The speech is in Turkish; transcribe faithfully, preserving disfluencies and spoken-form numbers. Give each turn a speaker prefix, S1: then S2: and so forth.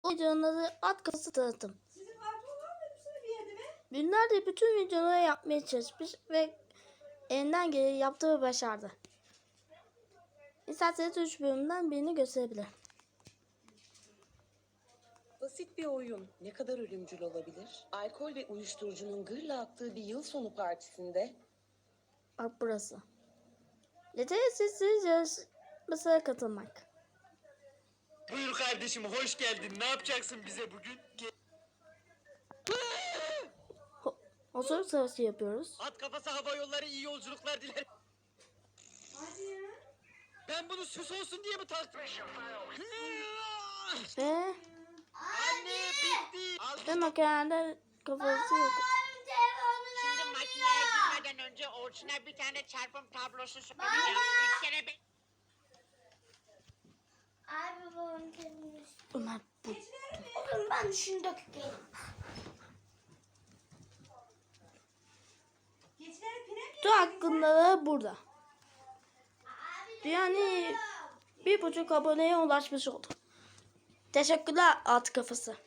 S1: Bu videonun adı at kafası tanıtım.
S2: Sizin karton var mı bir yerde mi?
S1: Günlerdir bütün videoları yapmaya çalışmış ve elinden geleni yaptığı ve başardı. İsterseniz üç bölümden birini gösterebilir.
S3: Basit bir oyun. Ne kadar ölümcül olabilir? Alkol ve uyuşturucunun gırla attığı bir yıl sonu partisinde
S1: Bak burası. Yeteneksizsiniz yarışmasına katılmak.
S4: Buyur kardeşim, hoş geldin. Ne yapacaksın bize bugün? Ge-
S1: Ho Hosur savaşı yapıyoruz.
S4: At kafası hava yolları iyi yolculuklar diler.
S2: Hadi ya.
S4: Ben bunu süs olsun diye mi taktım?
S1: Ve,
S4: Anne bitti. Al.
S1: ve makinede kafası yok.
S5: Şimdi makineye girmeden önce Orçun'a bir tane çarpım tablosu soracağım. Üç kere be...
S6: Abi babam temizmiş.
S1: Ömer bu.
S6: Oğlum ben şunu dökeyim.
S2: Keçileri pire mi?
S1: Tüm hakkında da burada. Yani bir buçuk aboneye ulaşmış oldu. Teşekkürler at kafası.